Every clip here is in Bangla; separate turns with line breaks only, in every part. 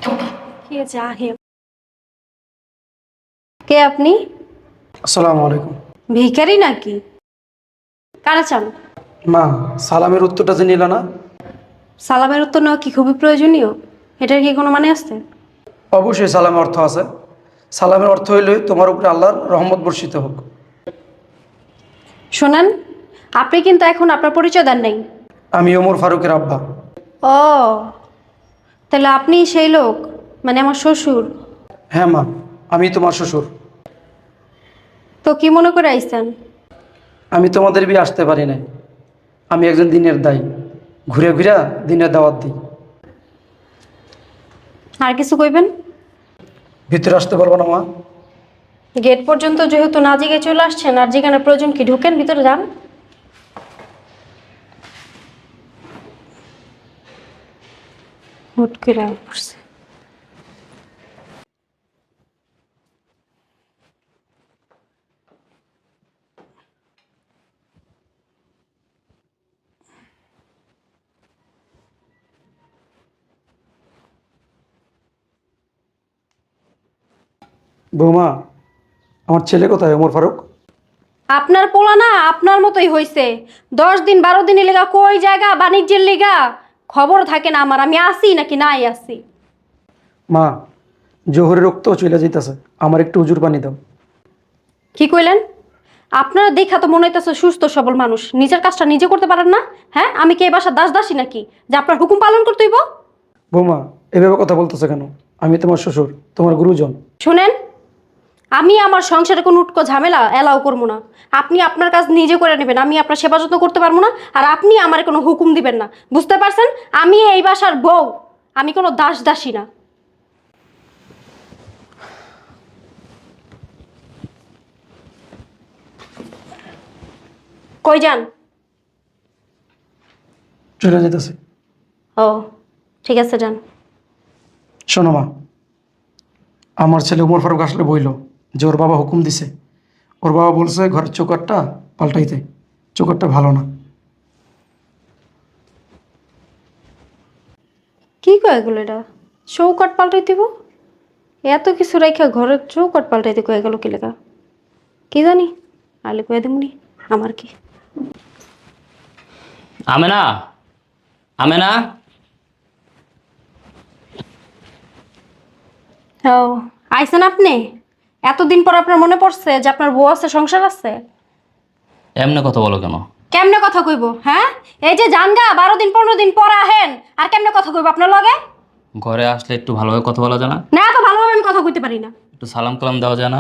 কে জাহেল, কে আপনি?
আসসালামু আলাইকুম।
ভিখারি নাকি? কারা চান?
মা, সালামের উত্তরটা যে নিল না?
সালামের উত্তর নেওয়া কি খুবই প্রয়োজনীয়? এটার কি কোনো মানে আছে?
অবশ্যই সালামের অর্থ আছে। সালামের অর্থ হইল তোমার উপরে আল্লাহর রহমত বর্ষিত হোক।
শোনেন, আপনি কিন্তু এখন আপনার পরিচয় দেন নাই।
আমি ওমর ফারুকের আব্বা।
ও, তাহলে আপনি সেই লোক, মানে আমার শ্বশুর।
হ্যাঁ মা, আমি তোমার শ্বশুর।
তো কি মনে করে আইছেন?
আমি তোমাদের বিয়ে আসতে পারি নাই। আমি একজন দিনের দায়ী, ঘুরে ঘুরে দিনের দাওয়াত দিই।
আর কিছু কইবেন?
ভিতরে আসতে পারবো না মা?
গেট পর্যন্ত যেহেতু না জিগে চলে আসছেন, আর জিগানোর প্রয়োজন কি? ঢুকেন, ভিতরে যান। হুট করে আয়া পড়ছে।
বৌমা, আমার ছেলে কোথায় ওমর ফারুক?
আপনার পোলা না আপনার মতোই হইছে। 10 দিন 12 দিনের লেগা কই জায়গা বাণিজ্যের লিগা খবর থাকে না আমার, আমি আসি নাকি নাই আসি।
মা, জোহরের রক্ত চলে যাইতেছে, আমার একটু উজুর পানি দাও।
কি কইলেন? আপনারা দেখা তো মনে হইতেছে সুস্থ সবল মানুষ, নিজের কাজটা নিজে করতে পারেন না? হ্যাঁ, আমি কি এই বাসার দাস দাসী নাকি যে আপনার হুকুম পালন করতে হইব?
বৌমা, এভাবে কথা বলতেছে কেন? আমি তোমার শ্বশুর, তোমার গুরুজন।
শুনেন, আমি আমার সংসারে কোনো উটকো ঝামেলা এলাও করবো না। আপনি আপনার কাজ নিজে করে নেবেন, আমি আপনার সেবা যত্ন করতে পারবো না। আর আপনি আমার কোনো হুকুম দিবেন না, বুঝতে পারছেন? আমি এই বাসার বউ, আমি কোনো দাস দাসী না। কই যান?
চলে যেতেছে।
ও, ঠিক আছে, যান।
শোনো মা, আমার ছেলে উমর ফারুক আসলে বইল যে ওর বাবা হুকুম দিছে। ওর বাবা বলছে ঘরের চৌকাঠটা পাল্টাইতে। চৌকাঠটা ভালো না।
কি কয় এগুলো? এটা চৌকাট পাল্টাই দিব? এত কিছু রাইখা ঘরের চৌকাট পাল্টাইতে কয়ে গেল কি লেখা? কি জানি, আলে কয়ে দিমনি, আমার কি।
আমেনা, আমেনা।
ও, আইছেন আপনি? এতদিন পর আপনার মনে পড়ছে যে আপনার বউ আছে, সংসার আছে?
এমনি কথা বলো কেন?
কেমনে কথা কইব? হ্যাঁ, এই যে জানগা 12 দিন 15 দিন পর আহেন, আর কেমনে কথা কইব আপনার লগে?
ঘরে আসলে একটু ভালোভাবে কথা বলা যায় না?
না, এত ভালোভাবে আমি কথা কইতে পারি না।
একটু সালাম কালাম দেওয়া যায় না?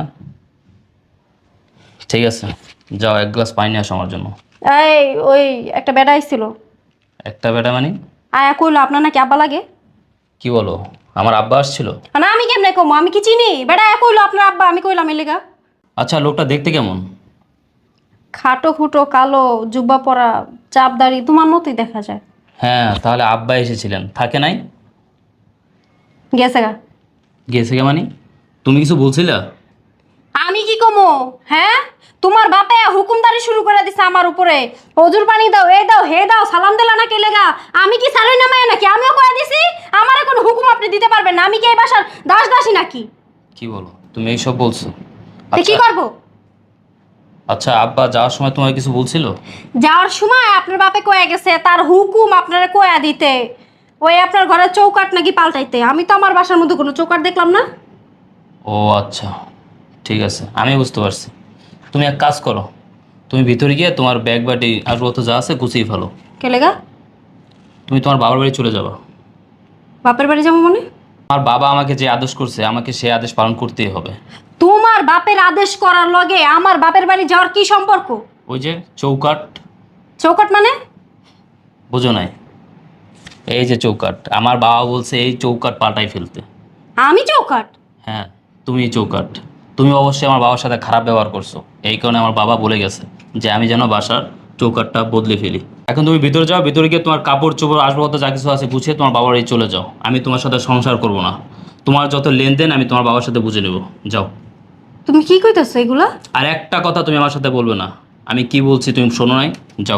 ঠিক আছে, যাও এক গ্লাস পানি নিয়ে আসো আমার জন্য।
এই, ওই একটা বেড়া আইছিল,
একটা বেটা মানে?
আয়া কইলো আপনার নাকি আব্বা লাগে।
কি বলো? আমার আব্বা আসছিল?
না, আমি কেমনে কমো? আমি কি চিনি? বেড়া আয়া কইলো আপনার আব্বা, আমি কইলাম এর লেগা।
আচ্ছা, লোকটা দেখতে কেমন?
খাটো খুটো কালো, জুব্বা পরা, চাপ দাড়ি, তোমার মতোই দেখা যায়।
হ্যাঁ, তাহলে আব্বা এসেছিলেন, থাকে নাই?
গেছে গা।
গেছে কে মানে? তুমি কিছু বলছিলা?
আমি কি কমো? হ্যাঁ, তোমার বাপে হুকুমদারি শুরু করে দিছে আমার উপরে। হজুর পানি দাও, এই দাও, হে দাও, সালাম দিলা না কে লেগা? আমি কি সালই নামাই নাকি? আমিও কয়ে দিছি আমারে কোনো হুকুম আপনি দিতে পারবেন না। আমি কি এই বাসার দাস দাসী নাকি?
কি বলো তুমি এইসব বলছো?
তো কি
আচ্ছা,
করব?
আচ্ছা, আব্বা যাওয়ার সময় তোমায় কিছু বলছিল?
যাওয়ার সময় আপনার বাপে কয়ে গেছে তার হুকুম আপনারে কয়ে দিতে, ওই আপনার ঘরের চৌকাট নাকি পাল্টাইতে। আমি তো আমার বাসার মধ্যে কোনো চৌকাট দেখলাম না।
ও আচ্ছা, ঠিক আছে, আমি বুঝতে পারছি। তুমি এক কাজ করো, তুমি ভিতরে গিয়ে তোমার ব্যাগ বাটি আসবাবপত্র যা আছে গুছিয়ে ফেলো।
কে লেগা?
তুমি তোমার বাবার বাড়ি চলে যাবা।
বাপের বাড়ি যাবো মানে?
আমার বাবা আমাকে যে আদেশ করছে, আমাকে সেই আদেশ পালন করতেই হবে।
তোমার বাপের আদেশ করার লগে আমার বাপের বাড়ি যাওয়ার কি সম্পর্ক?
ওই যে চৌকাট,
চৌকাট মানে?
বুঝো নাই? এই যে চৌকাট, আমার বাবা বলছে এই চৌকাট পাল্টাই ফেলতে।
আমি চৌকাট?
হ্যাঁ, তুমি চৌকাট। তুমি অবশ্যই আমার বাবার সাথে খারাপ ব্যবহার করছো, এই কারণে আমার বাবা বলে গেছে যে আমি যেন বাসার চৌকাটটা বদলে ফেলি। এখন তুমি ভিতরে যাও, ভিতরে গিয়ে তোমার কাপড় চোপড় আসবাবপত্র যা কিছু আছে গুছিয়ে তোমার বাবার বাড়ি চলে যাও। আমি তোমার সাথে সংসার করব না। তোমার যত লেনদেন আমি তোমার বাবার সাথে বুঝে নেব। যাও।
তুমি কি কইতাছো এগুলা?
আর একটা কথা তুমি আমার সাথে বলবে না। আমি কি বলছি তুমি শোনো নাই? যাও।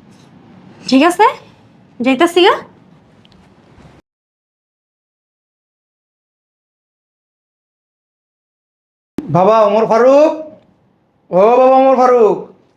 ঠিক আছে, যাইতাছি গা।
বাবা ওমর ফারুক, ও বাবা ওমর ফারুক।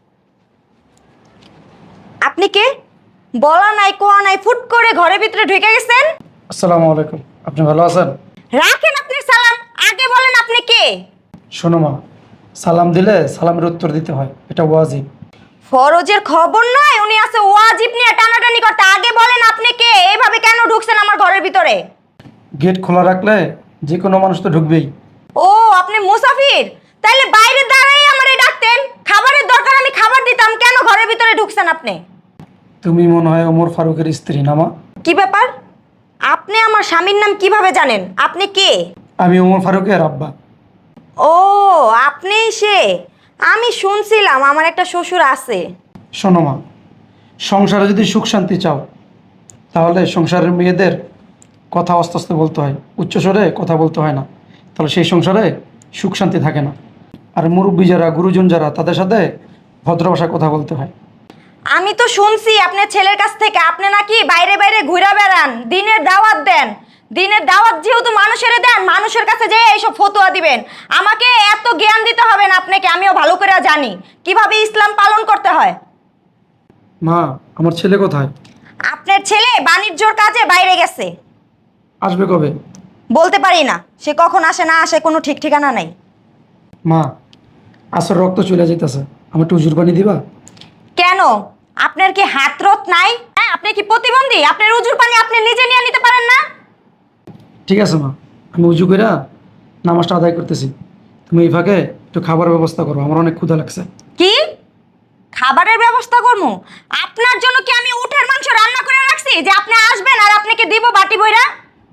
আপনি কে? বলা নাই কোয়া নাই, ফুট করে ঘরের ভিতরে ঢুকে গেছেন।
আসসালামু আলাইকুম, আপনি ভালো আছেন?
রাখেন আপনি সালাম, আগে বলেন আপনি কে?
শোনো মা, সালাম দিলে সালামের উত্তর দিতে হয়, এটা ওয়াজিব।
ফরজের খবর নাই, উনি আছে ওয়াজিব নিয়ে টানাটানি করতে। আগে বলেন আপনি কে? এইভাবে কেন ঢুকছেন আমার ঘরের ভিতরে?
গেট খোলা রাখলে যে কোনো মানুষ তো ঢুকবেই।
ও আপনি মুসাফির? তাইলে বাইরে দাঁড়াই আমারে ডাকতেন। খাবারের দরকার, আমি খাবার দিতাম, কেন ঘরের ভিতরে ঢুকছেন আপনি?
তুমি মনে হয় ওমর ফারুকের স্ত্রী না মা?
কি ব্যাপার? আপনি আমার স্বামীর নাম কিভাবে জানেন? আপনি কে?
আমি ওমর ফারুকের আব্বা।
ও আপনি সে। আমি শুনছিলাম আমার একটা শ্বশুর আছে।
শোনো মা, সংসারে যদি সুখ শান্তি চাও তাহলে সংসারের মেয়েদের কথা আস্তে আস্তে বলতে হয়, উচ্চস্বরে কথা বলতে হয় না, তাহলে সেই সংসারে সুখ শান্তি থাকে না। আর মুরব্বী যারা, গুরুজন যারা, তাদের সাথে ভদ্র ভাষায় কথা বলতে হয়।
আমি তো শুনছি আপনার ছেলের কাছ থেকে আপনি নাকি বাইরে বাইরে ঘুরে বেড়ান, দিনের দাওয়াত দেন। দিনের দাওয়াত যেহেতু মানুষের দেন, মানুষের কাছে যেয়ে এইসব ফতোয়া দিবেন। আমাকে এত জ্ঞান দিতে হবে না আপনাকে, আমিও ভালো করে জানি কিভাবে ইসলাম পালন করতে হয়।
মা, আমার ছেলে কোথায়?
আপনার ছেলে বাণিজ্যর কাজে বাইরে গেছে।
আসবে কবে?
বলতে পারি না, সে কখন আসে না আসে কোনো ঠিক ঠিকানা নাই।
মা, আসর রক্ত চলে যেতেছে, আমি একটু উজুর পানি দিবা?
কেন? আপনার কি হাতরত নাই? হ্যাঁ, আপনি কি প্রতিবন্ধী? আপনার উজুর পানি আপনি নিজে নিয়ে নিতে পারেন না?
ঠিক আছে মা, আমি উজু করে নামাজটা আদায় করতেছি, তুমি এই ফাঁকে একটু খাবারের ব্যবস্থা করো, আমার অনেক ক্ষুধা লাগছে।
কি খাবারের ব্যবস্থা করবো? আপনার জন্য কি আমি উটের মাংস রান্না করে রাখছি যে আপনি আসবেন আর আপনাকে দিব বাটি বইরা?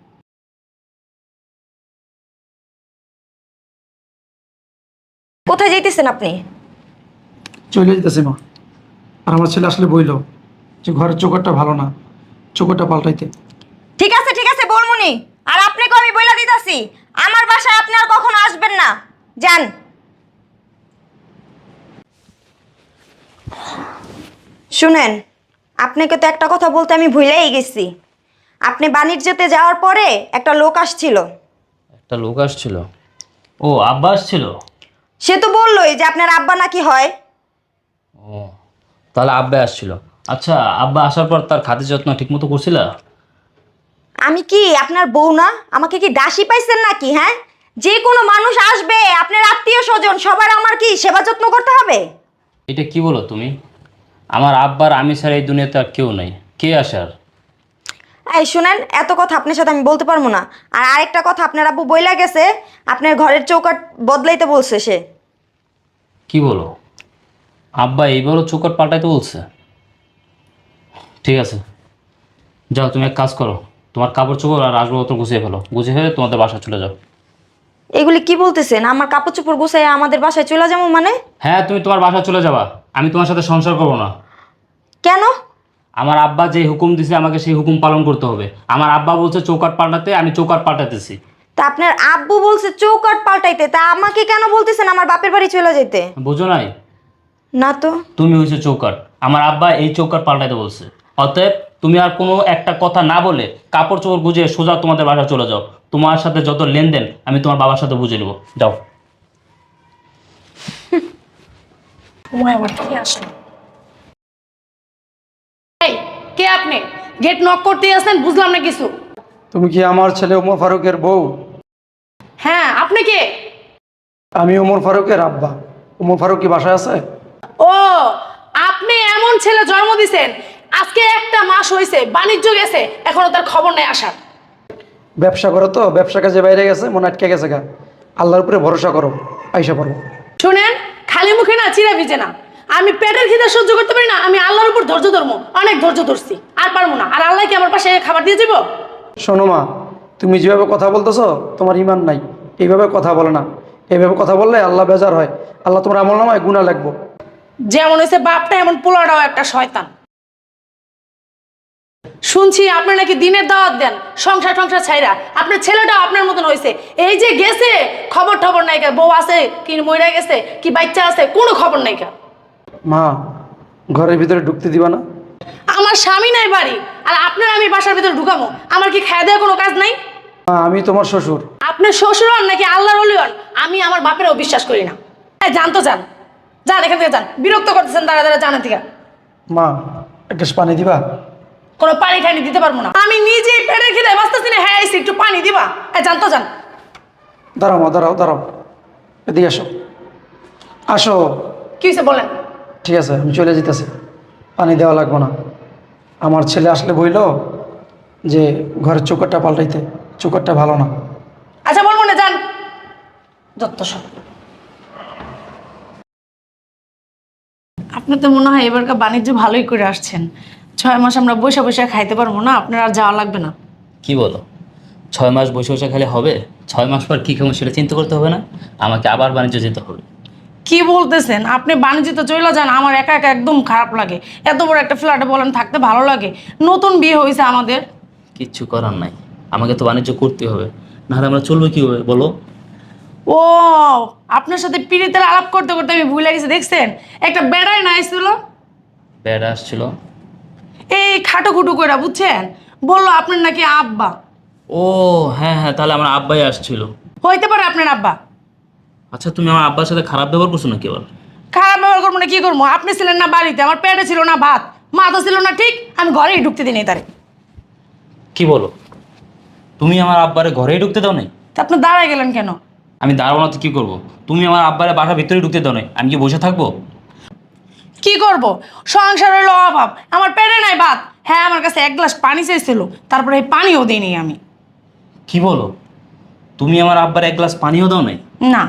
কোথায় যাইতেছেন আপনি?
চলে যেতেছি মা। আর আমার ছেলে আসলে বইল যে ঘরের চোখটা ভালো না, চোখটা পাল্টাইতে।
ঠিক আছে বলমুনি। আর আপনাকে আমি বইলা দিতাছি, আমার বাসায় আপনি আর কখনো আসবেন না। যান। শুনেন, আপনাকে তো একটা কথা বলতে আমি ভুলেই গেছি। আপনি বাণিজ্যতে যাওয়ার পরে একটা লোক আসছিল।
একটা লোক আসছিল? ও, আব্বা আসছিল?
সে তো বললোই যে আপনার আব্বা নাকি হয়।
ও, তাহলে আব্বা আসছিল। আচ্ছা, আব্বা আসার পর তার খাতির যত্ন ঠিক মতো করছিলা?
আমি কি আপনার বউ না? আমাকে কি দাসী পাইছেন নাকি? হ্যাঁ, যে কোনো মানুষ আসবে, আপনার আত্মীয় স্বজন, সবার আমার কি সেবা যত্ন করতে হবে?
এটা কি বলো তুমি? আমার আব্বার আমি ছাড়া এই দুনিয়াতে আর কেউ নাই। কে আসার?
এই শুনেন, এত কথা আপনার সাথে আমি বলতে পারবো না। আর আরেকটা কথা, আপনার আব্বু বইলা গেছে আপনার ঘরের চৌকাঠ বদলাইতে বলছে সে।
কি বলো? আব্বা এইবারও চৌকাট পাল্টাইতে বলছে? ঠিক আছে, যাও তুমি এক কাজ করো, তোমার কাপড় চোপড় আর আসবাবপত্র গুছিয়ে ফেলো, গুছিয়ে ফেলে তোমাদের বাসা চলে যাও।
এগুলি কি বলতেছেন? আমার কাপড় চোপড় গুছাই আমাদের বাসায় চলে যাবো মানে?
হ্যাঁ, তুমি তোমার বাসা চলে যাবা, আমি তোমার সাথে সংসার করবো না।
কেন?
আমার আব্বা যে হুকুম দিছে আমাকে সেই হুকুম পালন করতে হবে। আমার আব্বা বলছে চৌকাট পাল্টাতে, আমি চৌকাট পাল্টাতেছি।
তা আপনার আব্বু বলছে চৌকাঠ পাল্টাইতে, তা আমাকে কেন বলতেছেন আমার বাপের বাড়ি চলে যেতে?
বুঝো নাই?
না তো।
তুমি হয়েছে চৌকাট, আমার আব্বা এই চৌকাট পাল্টাইতে বলছে। অতএব তুমি আর কোনো একটা কথা না বলে কাপড় চোপড় গুজিয়ে সোজা তোমাদের বাসা চলে যাও। তোমার সাথে যত লেনদেন আমি তোমার বাবার সাথে বুঝে নেবো, যাও।
এই, কে আপনি? গেট নক করতেই আছেন, বুঝলাম না কিছু।
তুমি কি আমার ছেলে ওমর ফারুকের বউ?
হ্যাঁ, আপনি কে?
আমি ওমর ফারুকের আব্বা। ওমর ফারুক কি বাসায় আছে?
ও, আপনি এমন ছেলে জন্ম দিছেন, আজকে একটা মাস হয়েছে বাণিজ্য গেছে, এখনো তার খবর নেই আসার।
ব্যবসা করো তো, ব্যবসা কাজে বাইরে গেছে, মনে আটকে গেছে গা। আল্লাহর উপরে ভরসা করো, আইসা পারবো।
শুনেন, খালি মুখে না চিরা ভিজে না। আমি পেটের খিদে সহ্য করতে পারি না, আমি আল্লাহর উপর ধৈর্য ধরবো, অনেক ধৈর্য ধরছি, আর পারবো না। আর আল্লাহ কি আমার পাশে খাবার দিয়ে যাবো?
শোনো মা, তুমি যেভাবে কথা বলতেছো তোমার ইমান নাই, এইভাবে কথা বলে না। এইভাবে কথা বললে আল্লাহ বেজার হয়, আল্লাহ তোমার আমল নামায় গুনাহ লাগবো।
যেমন হয়েছে বাপটা, এমন পোলাটাও একটা শয়তান। শুনছি আপনি নাকি দিনের দাওয়াত দেন, সংসার সংসার ছাইরা। আপনার ছেলেটাও আপনার মতন হয়েছে, এই যে গেছে খবর টবর নাই কা, বউ আছে কি মইরা গেছে কি বাচ্চা আছে, কোনো খবর নাই কা।
মা, ঘরের ভিতরে ঢুকতে দিবা না?
আমার স্বামী নাই বাড়ি, আর আপনার আমি বাসার ভিতরে ঢুকামো? আমার কি খাওয়া দেওয়ার কোনো কাজ নাই?
মা, আমি তোমার শ্বশুর।
আপনি শ্বশুর হন নাকি আল্লাহর ওলি হন, আমি আমার বাপেরও বিশ্বাস করি না। হ্যাঁ যান তো যান, যান এখান থেকে যান, বিরক্ত করতেছেন দাঁড়া দাঁড়া জানা থেকে।
মা এক গ্লাস পানি দিবা?
কোনো পানি টানি দিতে পারবো না, আমি নিজেই পেটের খিদে বাঁচতেছি না। হ্যাঁ এসে একটু পানি দিবা? হ্যাঁ যান তো যান।
দাঁড়াও মা, দাঁড়াও দাঁড়াও, এদিকে আসো, আসো।
কি হয়েছে বলেন?
ঠিক আছে, আমি চলে যেতেছি, পানি দেওয়া লাগবে না। আমার ছেলে আসলে বইল যে ঘরের চৌকাটটা পাল্টাইতে, চৌকাটটা ভালো না।
আচ্ছা বলবো না, যান। যত সব। আপনি তো মনে হয় এবারকার বাণিজ্য ভালোই করে আসছেন। 6 মাস আমরা বসে বসে খাইতে পারবো না, আপনার আর যাওয়া লাগবে না।
কি বলো? 6 মাস বসে বসে খেলে হবে? 6 মাস পর কী খাবো সেটা চিন্তা করতে হবে না? আমাকে আবার বাণিজ্য যেতে হবে।
কি বলতেছেন? আপনি বাণিজ্য তো চলে যান, আমার একা একা একদম খারাপ লাগে। এত বড় একটা ফ্ল্যাটে বলেন থাকতে ভালো লাগে? নতুন বিয়ে হয়েছে আমাদের।
কিচ্ছু করার নাই, আমাকে তো বাণিজ্য করতে হবে, নাহলে আমরা চলবো কীভাবে বলো?
ও, আপনার সাথে পিরিতের আলাপ করতে করতে আমি ভুলে গেছি। দেখছেন একটা বেড়াই না আসছিল,
ব্যাড আসছিল।
এই খাটো খুটো করে, বুঝছেন? বললো আপনার নাকি আব্বা।
ও হ্যাঁ হ্যাঁ, তাহলে আমার আব্বাই আসছিল।
হইতে পারে আপনার আব্বা।
আচ্ছা, তুমি আমার আব্বার সাথে খারাপ ব্যবহার করছো নাকি আবার?
খারাপ ব্যবহার করবো না কি করবো? আপনি ছিলেন না বাড়িতে, আমার পেটে ছিল না ভাত, মা তো ছিল না ঠিক, আমি ঘরেই ঢুকতে দিই নাই তারে।
কি বলো? তুমি আমার আব্বারে ঘরেই ঢুকতে দাও নাই?
তা আপনি দাঁড়ায় গেলেন কেন?
আমি দাঁড়াবো না তো কী করবো? তুমি আমার আব্বারে বাসার ভিতরে ঢুকতে দাও নাই, আমি কি বসে থাকবো?
কি করব? সংসার হলো অভাব, আমার পেটে নাই ভাত। হ্যাঁ আমার কাছে 1 গ্লাস পানি চেয়েছিল, তারপরে এই পানিও দিইনি আমি।
কি বলো? তুমি আমার আব্বারে 1 গ্লাস পানিও দাও নাই?
না,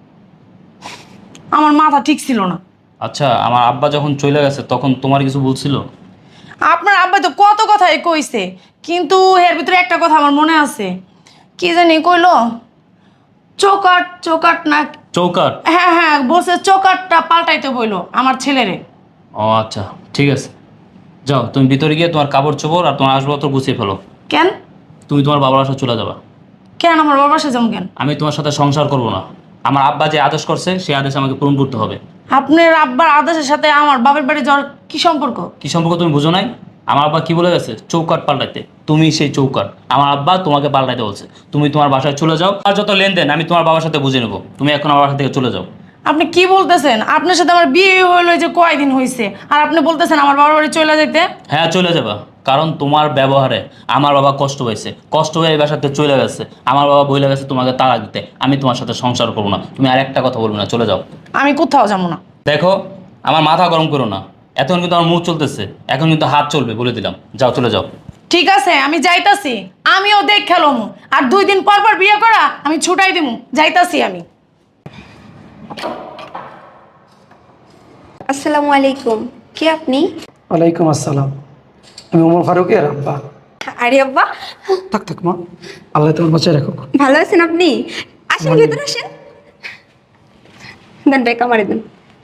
আমার মাথা ঠিক ছিল না।
আচ্ছা, আমার আব্বা যখন চলে গেছে তখন তোমার কিছু বলছিল?
আপনার আব্বা তো কত কথাই কইছে, কিন্তু এর ভিতরে একটা কথা আমার মনে আছে। কি জানি কইলো? চৌকাট চৌকাট না,
চৌকাট?
হ্যাঁ হ্যাঁ বলছে চৌকাটটা পাল্টাইতে বইলো আমার ছেলেরে।
ও আচ্ছা, ঠিক আছে, যাও তুমি ভিতরে গিয়ে তোমার কাপড় চোপড় আর তোমার আসবাবপত্র গুছিয়ে ফেলো।
কেন?
তুমি তোমার বাবার বাসায় চলে যাবা।
কেন আমার বাবার সাথে যেমন কেন?
আমি তোমার সাথে সংসার করব না। আমার আব্বা যে আদেশ করছে সেই আদেশ আমাকে পূরণ করতে হবে।
আপনার আব্বার আদেশের সাথে আমার বাবার বাড়ি যাওয়ার কি সম্পর্ক?
কি সম্পর্ক তুমি বুঝো নাই? আমার আব্বা কি বলে গেছে? চৌকাট পাল্টাইতে। তুমি সেই চৌকাট, আমার আব্বা তোমাকে পাল্টাইতে বলছে। তুমি তোমার বাসায় চলে যাও, আর যত লেনদেন আমি তোমার বাবার সাথে বুঝে নেবো। তুমি এখন আমার বাসা থেকে চলে যাও।
আপনি কি বলতেছেন? আপনার সাথে আমার বিয়ে হইলো যে কয়দিন হয়েছে, আর আপনি বলতেছেন আমার বাবার বাড়ি চলে যেতে?
হ্যাঁ চলে যাবা, কারণ তোমার ব্যবহারে আমার বাবা কষ্ট পাইছে, কষ্ট হয়ে এই বাসাতে চলে গেছে। আমার বাবা বইলে গেছে তোমাকে তালাক দিতে। আমি তোমার সাথে সংসার করবো না। তুমি আর একটা কথা বলবে না, চলে যাও।
আমি কোথাও যাবো না।
দেখো, আমার মাথা গরম করো না। এখন কিন্তু আমার মুখ চলতেছে, এখন কিন্তু হাত চলবে, বলে দিলাম। যাও, চলে যাও।
ঠিক আছে আমি যাইতাছি, আমিও দেখ খেলম। আর 2 দিন পর পর বিয়ে করা আমি ছুটাই দিমু, যাইতাছি আমি।
আসসালামু আলাইকুম। কে আপনি?
ওয়ালাইকুম আসসালাম, আমি ওমর ফারুকের আব্বা।
আরে আব্বা,
থাক থাক মা, আল্লাহ তোমার বাঁচায় রাখুক।
ভালো আছেন আপনি? আসেন ভেতরে আসেন। দেন ব্যাগ আমারে দেন।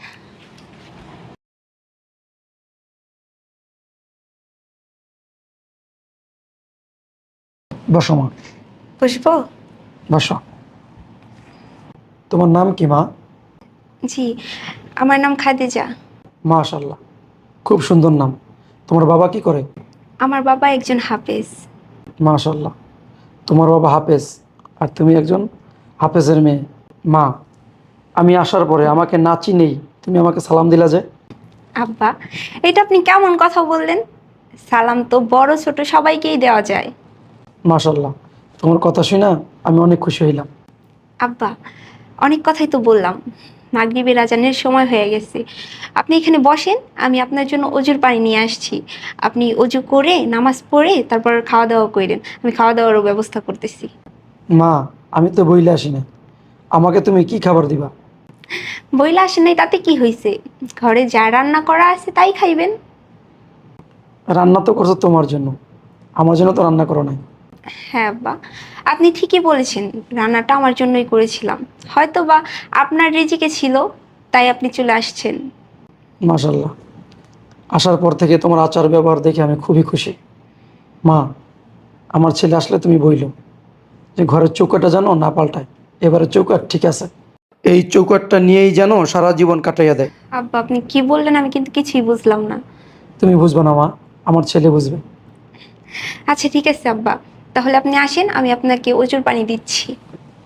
বসো মা,
বসবো?
বসো। তোমার নাম কি মা?
জি, আমার নাম খাদিজা।
মাশাআল্লাহ, খুব সুন্দর নাম। তোমার বাবা কি করে?
আমার বাবা একজন হাফেজ।
মাশাআল্লাহ, তোমার বাবা হাফেজ আর তুমি একজন হাফেজের মেয়ে। মা, আমি আসার পরে আমাকে না চিনেই তুমি আমাকে সালাম দিলা যে?
আব্বা, এটা আপনি কেমন কথা বললেন? সালাম তো বড় ছোট সবাইকেই দেওয়া যায়।
মাশাআল্লাহ, তোমার কথা শুনে আমি অনেক খুশি হইলাম।
আব্বা, অনেক কথাই তো বললাম, মাগরিবের আজানের সময় হয়ে গেছে। আপনি এখানে বসেন, আমি আপনার জন্য অজুর পানি নিয়ে আসছি। আপনি অজু করে নামাজ পড়ে তারপর খাওয়া দাওয়া করেন, আমি খাওয়া দাওয়ারও ব্যবস্থা করতেছি।
মা, আমি তো বইলে আসি না, আমাকে তুমি কি খাবার দিবা?
বইলা আসেন নাই তাতে কি হয়েছে? ঘরে যা রান্না করা আছে তাই খাইবেন।
রান্না তো করছো তোমার জন্য, আমার জন্য তো রান্না করো নাই।
হ্যাঁ আব্বা, আপনি ঠিকই বলেছেন, রান্নাটা আমার জন্যই করেছিলাম। হয়তো বা আপনার রিজিকে ছিল তাই আপনি চলে আসছেন।
মাশাআল্লাহ, আসার পর থেকে তোমার আচার ব্যবহার দেখে আমি খুবই খুশি। মা, আমার ছেলে আসলে তুমি বইলো যে ঘরের চৌকাটা যেন না পাল্টায়। এবারে চৌকাট ঠিক আছে, এই চৌকাটটা নিয়েই যেন সারা জীবন কাটাইয়া দেয়।
আব্বা আপনি কি বললেন আমি কিন্তু কিছুই বুঝলাম না।
তুমি বুঝবে না মা, আমার ছেলে বুঝবে।
আচ্ছা ঠিক আছে আব্বা, তাহলে আপনি আসেন, আমি আপনাকে অজুর পানি দিচ্ছি।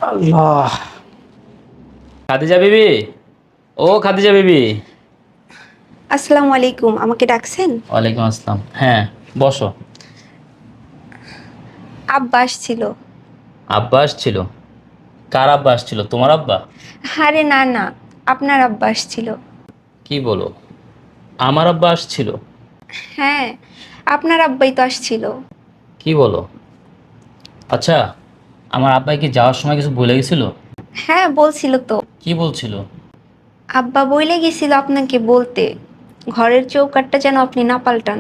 আল্লাহ।
খাদিজা বিবি, ও খাদিজা বিবি।
আসসালামু আলাইকুম, আমাকে ডাকছেন?
ওয়ালাইকুম আসসালাম। হ্যাঁ, বসো।
আব্বা আসছিল।
আব্বা আসছিল? কার আব্বা আসছিল? তোমার আব্বা?
আরে না না, আপনার আব্বা আসছিল।
কি বলো, আমার আব্বা আসছিল?
হ্যাঁ, আপনার আব্বাই তো আসছিল।
কি বলো? আচ্ছা, আমার আব্বাই কি যাওয়ার সময় কিছু বলে গেছিল?
হ্যাঁ বলছিল তো।
কি বলছিল?
আব্বা বইলে গেছিল আপনাকে বলতে, ঘরের চৌকাঠটা যেন আপনি না পাল্টান।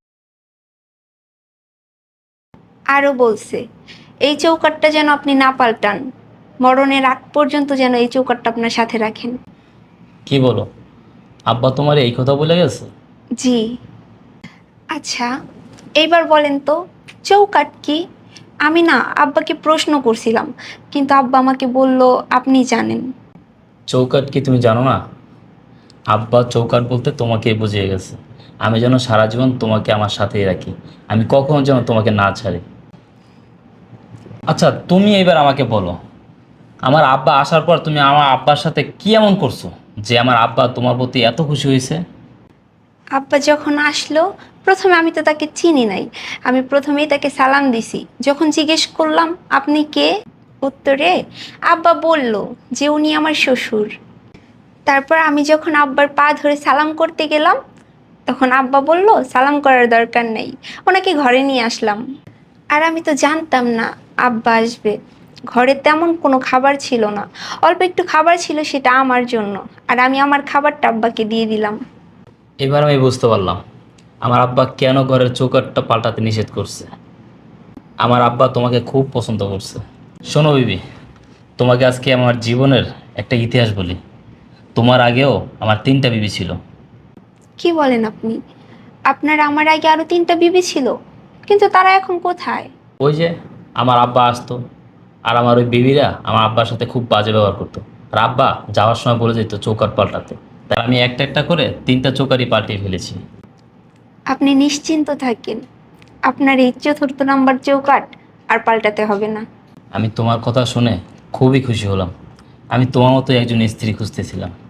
আরও বলছে, এই চৌকাঠটা যেন আপনি না পাল্টান, মরণের আগ পর্যন্ত যেন এই চৌকাঠটা আপনার সাথে রাখেন।
কি বলো, আব্বা তোমার এই কথা বলে গেছে?
জি। আচ্ছা, এইবার বলেন তো চৌকাঠ কি? আমি না আব্বাকে প্রশ্ন করছিলাম, কিন্তু আব্বা আমাকে বলল আপনি জানেন।
চৌকাঠ কি তুমি জানো না? আব্বা চৌকাঠ বলতে তোমাকে বুঝিয়ে গেছে, আমি যেন সারা জীবন তোমাকে আমার সাথেই রাখি, আমি কখনো যেন তোমাকে না ছাড়ি। আচ্ছা, তুমি এবার আমাকে বলো, আমার আব্বা আসার পর তুমি আমার আব্বার সাথে কি এমন করছো যে আমার আব্বা তোমার প্রতি এত খুশি হয়েছে?
আব্বা যখন আসলো, প্রথমে আমি তো তাকে চিনি নাই, আমি প্রথমেই তাকে সালাম দিছি। যখন জিজ্ঞেস করলাম আপনি কে, উত্তরে আব্বা বলল যে উনি আমার শ্বশুর। তারপর আমি যখন আব্বার পা ধরে সালাম করতে গেলাম, তখন আব্বা বলল সালাম করার দরকার নেই, ওনাকে ঘরে নিয়ে আসলাম। আর আমি তো জানতাম না আব্বা আসবে। ঘরে তেমন কোনো খাবার ছিল না, অল্প একটু খাবার ছিল, সেটা আমার জন্য, আর আমি আমার খাবারটা আব্বাকে দিয়ে দিলাম।
এবার আমি বুঝতে পারলাম আমার আব্বা কেন ঘরের চৌকাঠটা পাল্টাতে নিষেধ করছে। আমার আব্বা তোমাকে খুব পছন্দ করছে। শোনো বিবি, তোমাকে আজকে আমার জীবনের একটা ইতিহাস বলি। তোমার আগেও আমার 3টা বিবি ছিল।
কি বলেন আপনি? আপনার আমার আগে আরো 3টা বিবি ছিল, কিন্তু তারা এখন কোথায়?
ওই যে আমার আব্বা আসতো, আর আমার ওই বিবিরা আমার আব্বার সাথে খুব বাজে ব্যবহার করতো, আর আব্বা যাওয়ার সময় বলে যেত চৌকাঠ পাল্টাতে। তাই আমি একটা একটা করে 3টা চৌকাঠই পাল্টিয়ে ফেলেছি।
আপনি নিশ্চিন্ত থাকেন, আপনার এই 4র্থ নাম্বার চৌকাঠ আর পাল্টাতে হবে না।
আমি তোমার কথা শুনে খুবই খুশি হলাম। আমি তোমার মতো একজন স্ত্রী খুঁজতেছিলাম।